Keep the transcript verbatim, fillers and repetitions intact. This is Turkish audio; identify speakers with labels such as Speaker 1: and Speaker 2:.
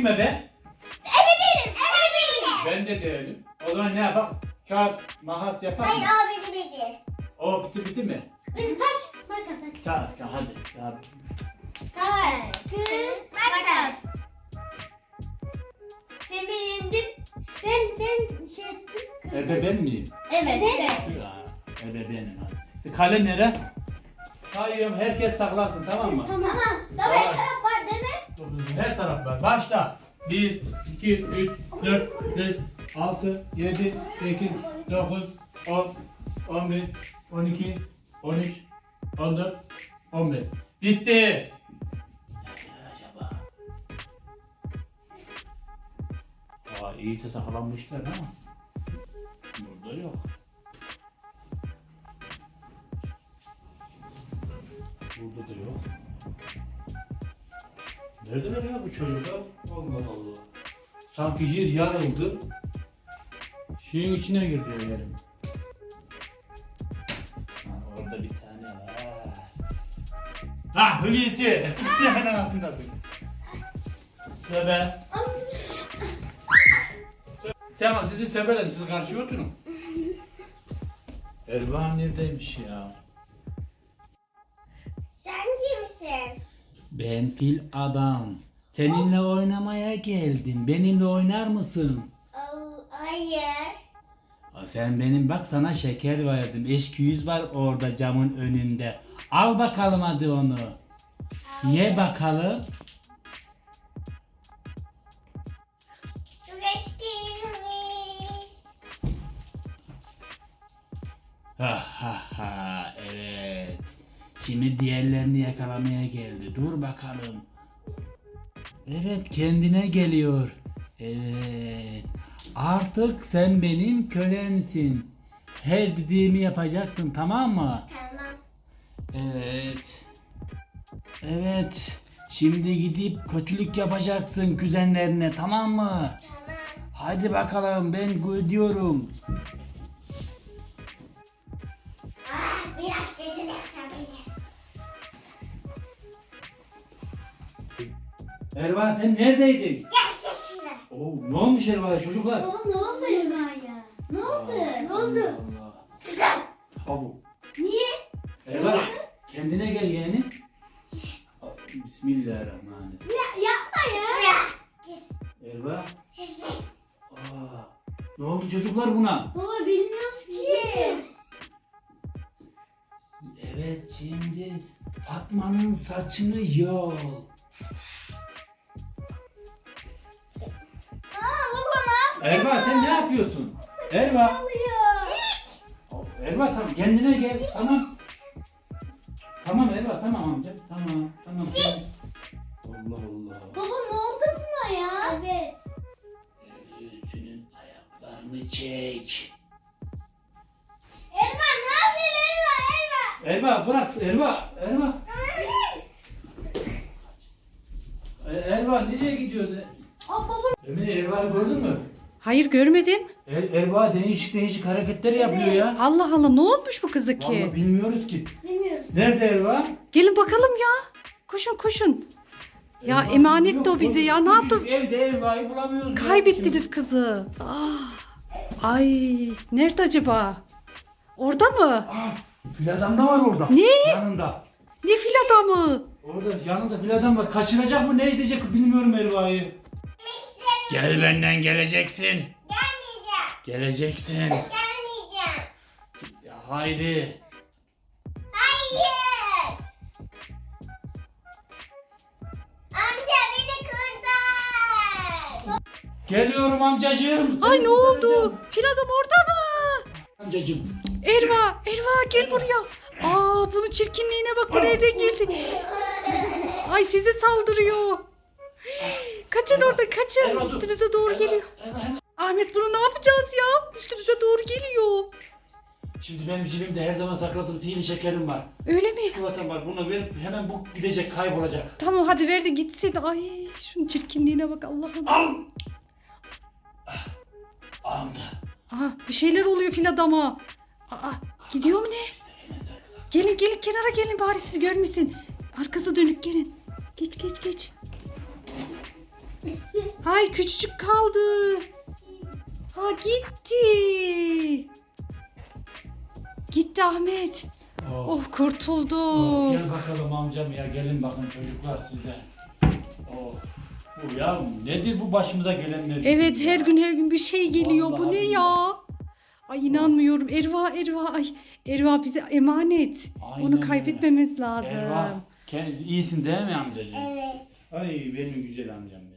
Speaker 1: kime be?
Speaker 2: Ebe değilim. Ebe değilim.
Speaker 1: Ben de değilim. O zaman ne yapalım? Kağıt, makas yapar
Speaker 2: Hayır
Speaker 1: mı?
Speaker 2: abi dedi.
Speaker 1: O biti biti mi?
Speaker 2: Biz taş. Makas.
Speaker 1: Kağıt, kağıt hadi. Ya,
Speaker 2: Taş. Kız. Makas. Sen beni yendin. Ben ben şey ettim.
Speaker 1: ebe ben miyim?
Speaker 2: Evet.
Speaker 1: Ya, ebe benim hadi. Kale nere? Sayıyorum, herkes saklansın, tamam mı?
Speaker 2: Tamam. Tamam. Her taraf var değil mi?
Speaker 1: Her taraf var. Başla. bir, iki, üç, dört, beş, altı, yedi, sekiz, dokuz, on, on bir, on iki, on üç, on dört, on beş. Bitti. Nerede acaba? Aa, iyi de saklanmışlar ama burada yok. Burada da yok. Neredeler ya bu çocuklar? Allah Allah. Sanki yer yarıldı. Şeyin içine girdi yerim. Ha, orada bir tane var. Ha, Hulusi. Hemen altındasın. Söbe. Tamam, sizi söbeledim. Siz karşıya oturun. Ervan neredeymiş ya?
Speaker 2: Sen kimsin?
Speaker 1: Ben fil adam. Seninle oynamaya geldim. Benimle oynar mısın?
Speaker 2: Oh, hayır.
Speaker 1: Aa, sen benim bak sana şeker verdim. Eşküyüz var orada camın önünde. Al bakalım hadi onu. Ye bakalım.
Speaker 2: Çok eskiymiş.
Speaker 1: Ha ha ha, evet. Şimdi diğerlerini yakalamaya geldi. Dur bakalım. Evet, kendine geliyor. Evet. Artık sen benim kölemsin. Her dediğimi yapacaksın, tamam mı?
Speaker 2: Tamam.
Speaker 1: Evet. Evet. Şimdi gidip kötülük yapacaksın kuzenlerine, tamam mı?
Speaker 2: Tamam.
Speaker 1: Hadi bakalım, ben gidiyorum.
Speaker 2: Ah, biraz kötü tabii.
Speaker 1: Ervan, sen neredeydin?
Speaker 2: Gel sesine.
Speaker 1: Oo, ne olmuş Ervan'a çocuklar?
Speaker 2: Baba ne oldu Erma'ya? Ne oldu? Ne oldu?
Speaker 1: Allah.
Speaker 2: Sıkın.
Speaker 1: Abu.
Speaker 2: Niye?
Speaker 1: Ervan, kendine gel yeğenim. Bismillahirrahmanirrahim.
Speaker 2: Ya, yapma ya. Ya.
Speaker 1: Ervan. Aa, ne oldu çocuklar buna?
Speaker 2: Baba bilmiyoruz ki.
Speaker 1: Evet, şimdi Fatma'nın saçını yol.
Speaker 2: Aa baba ne yapıyorsun?
Speaker 1: Erva, sen ne yapıyorsun? Erva.
Speaker 2: oluyor?
Speaker 1: Erva, tamam, kendine gel, tamam. Tamam Erva, tamam amca, tamam, tamam. Allah Allah.
Speaker 2: Baba ne oldu buna ya? Evet.
Speaker 1: Üstünün ayaklarını çek.
Speaker 2: Erma ne yapıyorsun Erma? Erma.
Speaker 1: Erva bırak, Erva, Erva. E, Erva nereye gidiyorsun?
Speaker 2: Aa baba.
Speaker 1: Emine, Erva'yı gördün mü?
Speaker 3: Hayır görmedim.
Speaker 1: Er, Erva değişik değişik hareketler yapıyor ya.
Speaker 3: Allah Allah ne olmuş bu kızı
Speaker 1: Vallahi
Speaker 3: ki?
Speaker 1: bilmiyoruz ki.
Speaker 2: Bilmiyoruz.
Speaker 1: Nerede Erva?
Speaker 3: Gelin bakalım ya. Koşun koşun. Ya
Speaker 1: Erva
Speaker 3: emanetti
Speaker 1: yok,
Speaker 3: o bize
Speaker 1: yok.
Speaker 3: ya. Ne yaptınız?
Speaker 1: Evde Erva'yı bulamıyoruz. ya.
Speaker 3: Kaybettiniz kızı. Ah. Ay nerede acaba? Orada mı?
Speaker 1: Ah, fil adam da var orada.
Speaker 3: Ne?
Speaker 1: Yanında.
Speaker 3: Ne fil adamı?
Speaker 1: Orada yanında fil adam var. Kaçıracak mı ne edecek bilmiyorum Erva'yı. Gel benden geleceksin.
Speaker 2: Gelmeyeceğim.
Speaker 1: Geleceksin.
Speaker 2: Gelmeyeceğim.
Speaker 1: Ya, haydi.
Speaker 2: Hayır. Amca beni kurtar.
Speaker 1: Geliyorum amcacığım.
Speaker 3: Ay
Speaker 1: Seni
Speaker 3: ne oldu?
Speaker 1: kurtaracağım.
Speaker 3: Fil adam orada mı?
Speaker 1: Amcacığım.
Speaker 3: Erva, Erva gel buraya. Aa bunun çirkinliğine bak bu nereden geldi? Ay size saldırıyor. Kaçın orada kaçın.
Speaker 1: Erva, dur.
Speaker 3: Üstünüze doğru
Speaker 1: Erva,
Speaker 3: geliyor.
Speaker 1: Erva, hemen.
Speaker 3: Ahmet bunu ne yapacağız ya? Üstümüze doğru geliyor.
Speaker 1: Şimdi benim cebimde her zaman sakladığım sihirli şekerim var.
Speaker 3: Öyle mi?
Speaker 1: Çikolatam var. Bunu verip hemen bu gidecek, kaybolacak.
Speaker 3: Tamam hadi ver de gitsin. Ay şunun çirkinliğine bak Allah'ım.
Speaker 1: Al. Ah, aldı.
Speaker 3: Aha bir şeyler oluyor fil adama. Aa gidiyor mu ne?
Speaker 1: Biz de hemen saklayalım.
Speaker 3: Gelin gelin kenara gelin bari siz görmesin. Arkası dönük gelin. Geç geç geç. Ay küçücük kaldı. Ha gitti. Gitti Ahmet.
Speaker 1: Oh.
Speaker 3: Oh kurtuldu.
Speaker 1: Oh, gel bakalım amcam ya, gelin bakın çocuklar size. Oh. Bu ya nedir bu başımıza gelenler?
Speaker 3: Evet
Speaker 1: ya?
Speaker 3: her gün her gün bir şey geliyor. Bu
Speaker 1: Vallahi
Speaker 3: ne
Speaker 1: billahi.
Speaker 3: ya? Ay inanmıyorum. Erva Erva ay Erva bize emanet.
Speaker 1: Aynen
Speaker 3: Onu
Speaker 1: öyle.
Speaker 3: kaybetmemiz lazım.
Speaker 1: Erva, kendisi iyisin değil mi amcacığım?
Speaker 2: Evet.
Speaker 1: Ay benim güzel amcam.